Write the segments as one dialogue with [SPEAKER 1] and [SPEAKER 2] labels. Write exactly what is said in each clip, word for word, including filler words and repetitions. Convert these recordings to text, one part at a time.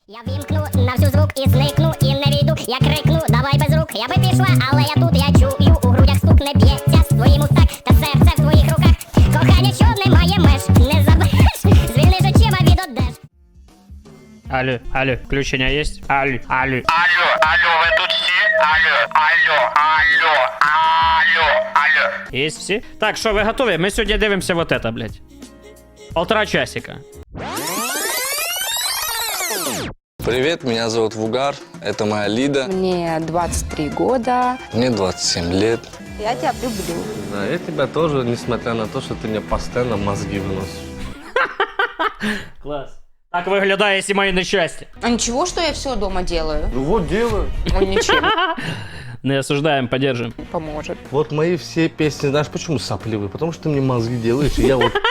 [SPEAKER 1] Я вімкну на всю звук і зникну, і не війду, я крикну, давай без рук, я би пішла, але я тут, я чую, у грудях стук не б'ється, з твоїм устак, та серце в твоїх руках, кохання, що немає меж, не забереш, звільниш очима від одеж.
[SPEAKER 2] Алло, алло, включення є? Алло, алло.
[SPEAKER 3] Алло, алло, ви тут всі? Алло, алло, алло, алло, алло.
[SPEAKER 2] Є всі? Так, що, ви готові? Ми сьогодні дивимося вот это, блядь. Полтора часика.
[SPEAKER 4] Привет, меня зовут Вугар, это моя Лида.
[SPEAKER 5] Мне двадцать три года.
[SPEAKER 4] Мне двадцать семь лет.
[SPEAKER 5] Я тебя люблю.
[SPEAKER 6] Да, я тебя тоже, несмотря на то, что ты мне постоянно мозги выносишь.
[SPEAKER 2] Клас. Так виглядає сімейне щастя.
[SPEAKER 5] А ничего, что я все дома делаю?
[SPEAKER 6] Ну вот делаю.
[SPEAKER 5] Он ничем
[SPEAKER 2] Не осуждаем, поддержим.
[SPEAKER 5] не поможет.
[SPEAKER 6] Вот мои все песни, знаешь, почему сопливые? Потому что ты мне мозги делаешь, и я вот...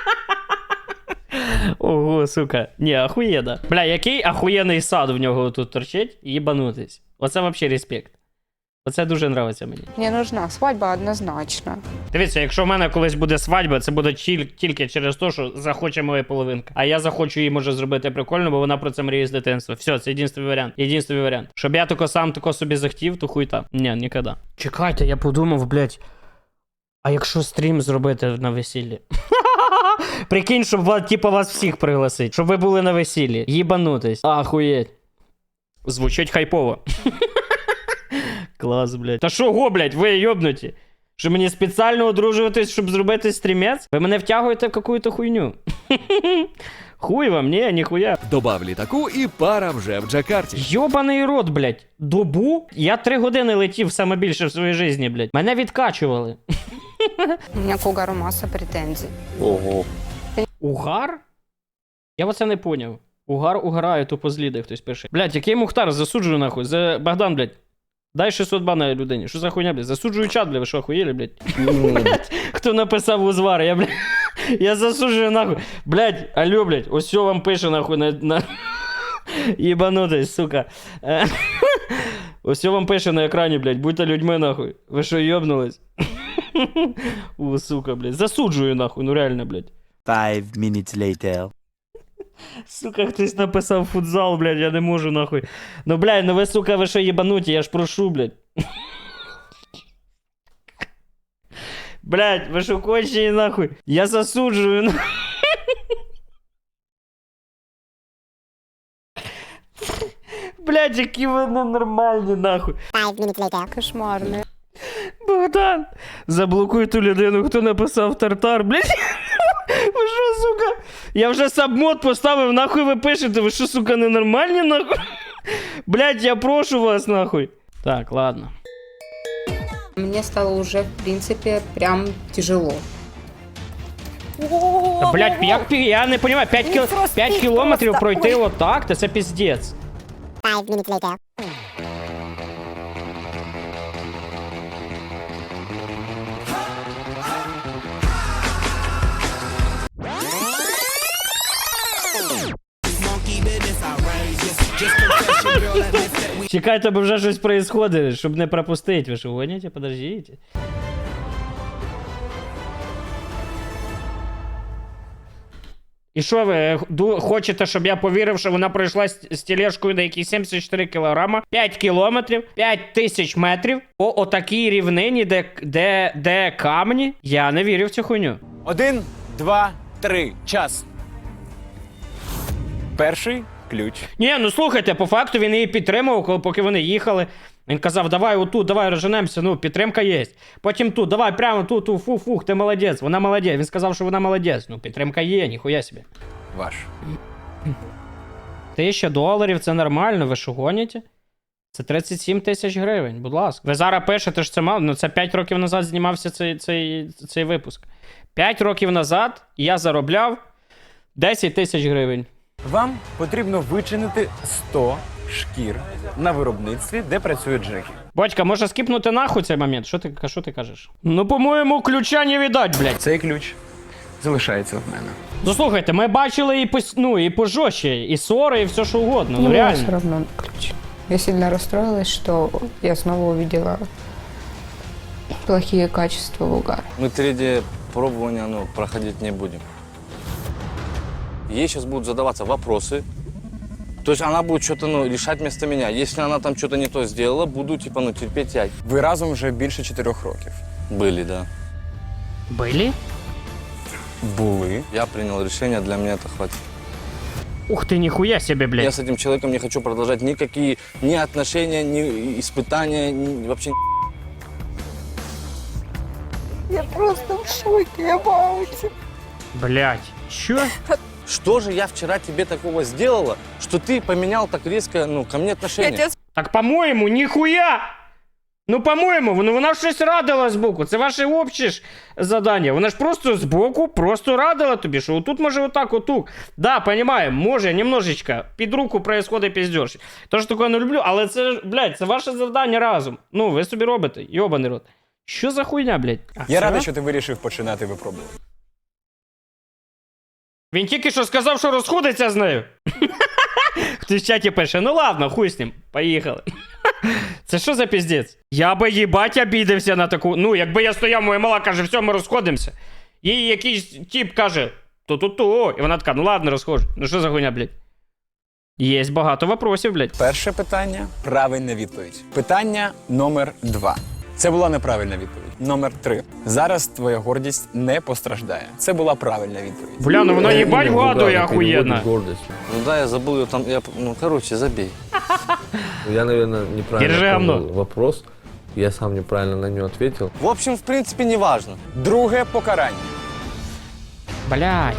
[SPEAKER 2] Ого, сука. Ні, ахуєда. Бля, який ахуєнний сад в нього тут торчить, їбанутись. Оце вообще респект. Оце дуже нравиться мені.
[SPEAKER 5] Мне нужна свадьба однозначно.
[SPEAKER 2] Дивіться, якщо в мене колись буде свадьба, це буде тіль- тільки через те, що захоче моя половинка. А я захочу її, може, зробити прикольно, бо вона про це мріє з дитинства. Все, це єдинственний варіант. Єдинственний варіант. Щоб я тако сам тако собі захотів, то хуй там. Ні, ніколи. Чекайте, я подумав, блядь. А якщо стрім зробити на весіллі? Прикинь, щоб вас, типу, вас всіх пригласить. Щоб ви були на весіллі. Їбанутись. Ахуєть. Звучить хайпово. Клас, блядь. Та що го, блядь, ви йобнуті? Що мені спеціально одружуватись, щоб зробити стрімець? Ви мене втягуєте в какую-то хуйню. Хуй вам, ні, ніхуя.
[SPEAKER 7] Добав літаку і пара вже в Джакарті.
[SPEAKER 2] Йобаний рот, блядь. Добу? Я три години летів саме більше в своїй житті, блядь. Мене відкачували.
[SPEAKER 5] У меня к Угару масса претензий.
[SPEAKER 4] Ого.
[SPEAKER 2] Угар? Я оце не поняв. Угар угорає, тупо зліде, хтось пише. Блядь, який Мухтар, засуджую нахуй. За... Богдан, блядь. Дай шістсот бана людині. Що за хуйня, блядь? Засуджую чат, блядь, ви що, охуєли, блядь? Хто написав узвар? Я, блядь, я засуджую нахуй. Блядь, алло, блядь, ось все вам пише нахуй на... на... Єбанутись, сука. Ось все вам пише на екрані, блядь, будьте людьми нахуй. Ви що, йобнулись? О, сука, блядь. Засуджую нахуй, ну реально, блядь.
[SPEAKER 7] Five minutes later.
[SPEAKER 2] Сука, хтось написав футзал, блядь, я не можу нахуй. Ну, блядь, ну ви, сука, ви що єбануті, я ж прошу, блядь. Блядь, ви що кончені нахуй? Я засуджую, нахуй. Блядь, які ви ненормальні, нахуй.
[SPEAKER 5] Кошмарные.
[SPEAKER 2] Богдан, заблокуй ту людину, хто написав тартар, блядь. Ви що, сука? Я вже сабмод поставив, нахуй ви пишете, ви що, сука, ненормальні, нахуй? Блядь, я прошу вас, нахуй. Так, ладно.
[SPEAKER 5] Мне стало уже, в принципе, прям тяжело.
[SPEAKER 2] Та, блядь, як, пі- я не розумію, п'ять, кіл... п'ять кілометрів пройти отак, та це піздець. Чекайте, бо вже щось происходить, щоб не пропустити. Ви що, гоните? Подождите. І що ви ду- хочете, щоб я повірив, що вона пройшла з, з тележкою на якісь сімдесят чотири кілограма, п'ять кілометрів, п'ять тисяч метрів по отакій рівнині, де, де, де камні? Я не вірю в цю хуйню.
[SPEAKER 8] Один, два, три. Час. Перший ключ.
[SPEAKER 2] Ні, ну слухайте, по факту він її підтримував, коли- поки вони їхали. Він казав, давай отут, давай розженемося, ну, підтримка є. Потім тут, давай прямо тут, тут, фух, фух, ти молодець, вона молодець. Він сказав, що вона молодець. Ну, підтримка є, ніхуя собі.
[SPEAKER 8] Ваш.
[SPEAKER 2] Тисяча доларів, це нормально, ви що гоніте? Це тридцять сім тисяч гривень, будь ласка. Ви зараз пишете, що це мало, ну це п'ять років назад знімався цей, цей, цей випуск. п'ять років назад я заробляв десять тисяч гривень.
[SPEAKER 8] Вам потрібно вичинити сто шкір на виробництві, де працює Джекі.
[SPEAKER 2] Батька, може скіпнути нахуй цей момент? Що ти, що ти кажеш? Ну, по-моєму, ключа не віддать, блядь.
[SPEAKER 8] Цей ключ залишається в мене.
[SPEAKER 2] Ну, слухайте, ми бачили і по, ну, і пожорстче, і ссори, і все, що угодно. Ну,
[SPEAKER 5] все
[SPEAKER 2] реально.
[SPEAKER 5] равно ключ. Я сильно расстроилась, что я снова увидела плохие качества Угара.
[SPEAKER 4] Мы третье пробование ну, проходить не будем. Ей сейчас будут задаваться вопросы, То есть она будет что-то, ну, решать вместо меня. Если она там что-то не то сделала, буду, типа, ну, терпеть я.
[SPEAKER 8] Ви разом вже більше чотирьох років.
[SPEAKER 4] Были, да.
[SPEAKER 2] Были?
[SPEAKER 8] Були.
[SPEAKER 4] Я принял решение, для меня это хватит.
[SPEAKER 2] Ух ты, нихуя себе,
[SPEAKER 4] Я
[SPEAKER 2] блядь.
[SPEAKER 4] с этим человеком не хочу продолжать никакие ни отношения, ни испытания, ни вообще.
[SPEAKER 2] Блядь, чё?
[SPEAKER 4] Что же я вчера тебе такого сделала, что ты поменял так резко, ну, ко мне отношения?
[SPEAKER 2] Так, по-моєму, ніхуя! Ну, по-моєму, воно, вона щось радила збоку. Це ваше обще ж задання. Вона ж просто збоку, просто радила тобі, що отут може отак, отут. Да, понимаю, може, немножечко під руку происходить піздьош. Тож такого не люблю, але це, ж, блядь, це ваше завдання разом. Ну, ви собі робите, йобаний рот. Що за хуйня, блядь? А,
[SPEAKER 8] Я
[SPEAKER 2] це?
[SPEAKER 8] радий, що ти вирішив починати випробувати.
[SPEAKER 2] Він тільки що сказав, що розходиться з нею. Хтось в чаті пише, ну ладно, хуй з ним, поїхали. Це що за піздець? Я би їбать обідався на таку. Ну, якби я стояв, моя мала каже, все, ми розходимося. Їй якийсь тип каже, то-то-то. І вона така, ну ладно, розходжу. Ну що за хуйня, блядь? Є багато вопросів, блядь.
[SPEAKER 8] Перше питання – правильна відповідь. Питання номер два. Це була неправильна відповідь. Номер три. Зараз твоя гордість не постраждає. Це була правильна відповідь.
[SPEAKER 2] Бля, ну вона їбать
[SPEAKER 6] Имя
[SPEAKER 2] вгадує
[SPEAKER 6] Вугара
[SPEAKER 2] охуєнно.
[SPEAKER 6] переводит гордость.
[SPEAKER 4] Ну да, я забыл ее там, я, ну, короче, забей.
[SPEAKER 6] Я, наверное, неправильно
[SPEAKER 2] Держи
[SPEAKER 6] понял
[SPEAKER 2] говно.
[SPEAKER 6] вопрос. Я сам неправильно на него ответил.
[SPEAKER 4] В общем, в принципе, не важно.
[SPEAKER 8] Друге покарання.
[SPEAKER 2] Блядь.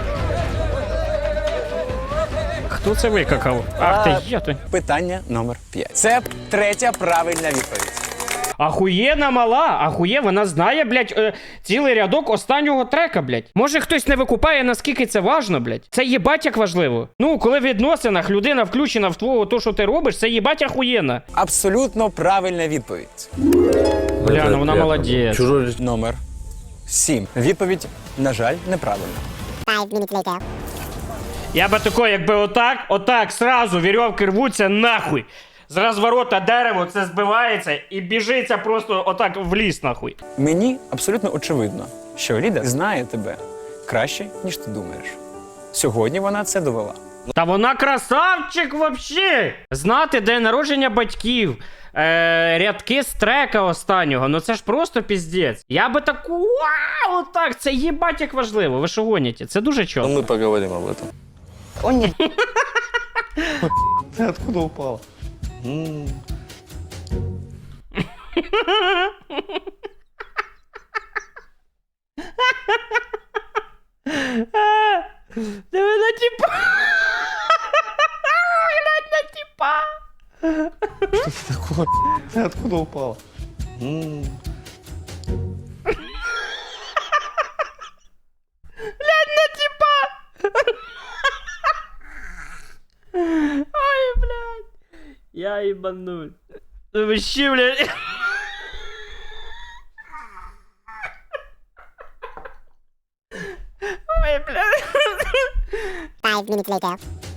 [SPEAKER 2] Хто це викакав? Ах ти, я то.
[SPEAKER 8] Питання номер п'ять. Це третя правильна відповідь.
[SPEAKER 2] Ахуєна мала, ахує, вона знає, блядь, е, цілий рядок останнього трека, блядь. Може хтось не викупає, наскільки це важно, блядь. Це їбать як важливо. Ну, коли в відносинах людина включена в твого, то, що ти робиш, це їбать ахуєнна.
[SPEAKER 8] Абсолютно правильна відповідь.
[SPEAKER 2] Бля,
[SPEAKER 6] Это
[SPEAKER 2] ну вона
[SPEAKER 6] приятно.
[SPEAKER 2] молодець.
[SPEAKER 6] Чужой же
[SPEAKER 8] Номер сім. Відповідь, на жаль, неправильна.
[SPEAKER 2] Я би тако, якби отак, отак, сразу вірьовки рвуться нахуй. З розворота дерево це збивається і біжиться просто отак в ліс, нахуй.
[SPEAKER 8] Мені абсолютно очевидно, що Ліда знає тебе краще, ніж ти думаєш. Сьогодні вона це довела.
[SPEAKER 2] Та вона красавчик вообще! Знати день народження батьків, е, рядки з трека останнього, ну це ж просто піздець. Я би таку, вау, отак, це їбать як важливо, ви що гоніте? Це дуже
[SPEAKER 4] Но
[SPEAKER 2] чітко.
[SPEAKER 4] мы поговорим об этом.
[SPEAKER 6] Ты откуда упал?
[SPEAKER 4] М,
[SPEAKER 2] Диви на тіпа! Глянь на тіпа!
[SPEAKER 6] Ты откуда упал?
[SPEAKER 4] м.
[SPEAKER 2] Глянь на тіпа! Ой, блядь! Я ебануль. Ну вообще, блядь. Ой, блядь.
[SPEAKER 1] Five minutes later.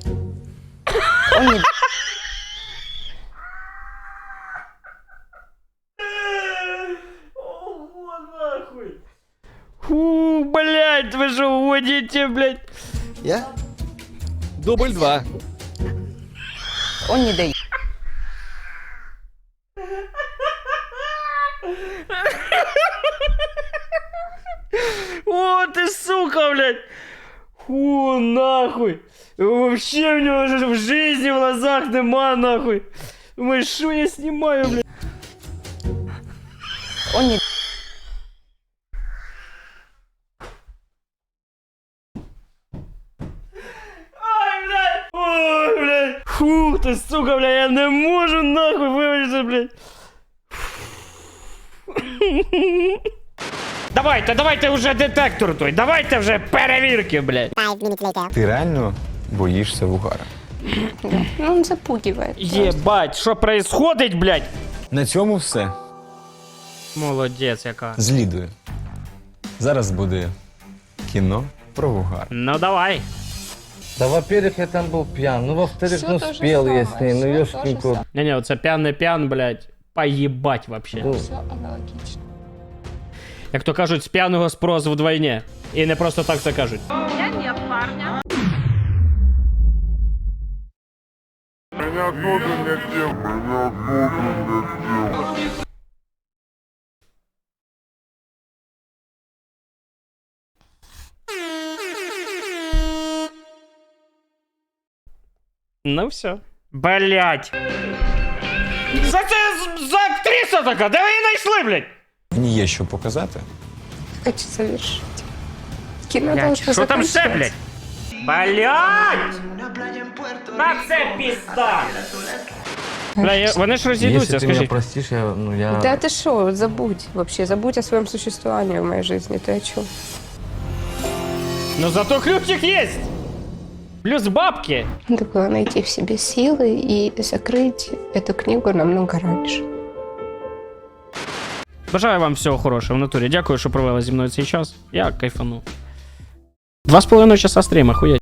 [SPEAKER 2] Ого, нахуй. Фу, блядь, вы же уводите, блядь.
[SPEAKER 7] Я? Дубль два.
[SPEAKER 5] Он не дает.
[SPEAKER 2] О, ты сука, блядь. Фу, нахуй. Вообще у него же в жизни в глазах нема, нахуй. Думаешь, что я снимаю, блядь?
[SPEAKER 5] Он не
[SPEAKER 2] Ай, блядь! Ой, блядь! Фу, ты, сука, блядь, я не можу, нахуй, вибачте, блядь. Давайте, давайте вже детектор той, давайте вже перевірки, блядь.
[SPEAKER 1] Five minutes later.
[SPEAKER 8] Ти реально боїшся Вугара?
[SPEAKER 5] Ну, он запугивает.
[SPEAKER 2] Єбать, що происходить, блядь?
[SPEAKER 8] На цьому все.
[SPEAKER 2] Молодець яка.
[SPEAKER 8] З Лідою. Зараз буде кіно про Вугар.
[SPEAKER 2] Ну давай.
[SPEAKER 6] Да, во-первых, я там был пьян. Ну, во-вторых,
[SPEAKER 5] Всё
[SPEAKER 6] ну,
[SPEAKER 5] то же
[SPEAKER 6] спел я с
[SPEAKER 5] самое,
[SPEAKER 6] ней. Ну,
[SPEAKER 5] всё
[SPEAKER 6] ёшкин
[SPEAKER 5] то же
[SPEAKER 6] кот.
[SPEAKER 2] Не-не, оце п'ян не п'ян, блядь. Поїбать вообще.
[SPEAKER 6] Ну,
[SPEAKER 5] Все аналогично.
[SPEAKER 2] Як то кажуть, з п'яного спрос вдвойне. І не просто так це кажуть.
[SPEAKER 9] Я нет парня.
[SPEAKER 2] Ну все. Блять. За це за актриса така, де ви її знайшли, блядь?
[SPEAKER 8] Мені є що показати.
[SPEAKER 5] Хочу завершить. Кино
[SPEAKER 2] Блядь,
[SPEAKER 5] должно
[SPEAKER 2] що там ще,
[SPEAKER 5] заканчиваться.
[SPEAKER 2] блядь? Блять! На це пізда! Бля, я, вони ж розійдуться,
[SPEAKER 6] Если ты меня
[SPEAKER 2] скажіть.
[SPEAKER 6] простишь, я, ну, я...
[SPEAKER 5] Да ты что, забудь вообще, забудь о своем существовании в моей жизни, ты о чем?
[SPEAKER 2] Ну зато ключик есть! Плюс бабки!
[SPEAKER 5] Надо было найти в себе силы и закрыть эту книгу намного раньше.
[SPEAKER 2] Бажаю вам всього хорошого в натурі. Дякую, що провели зі мною цей час. Я кайфану. Два з половиною часа стріма, хуєть.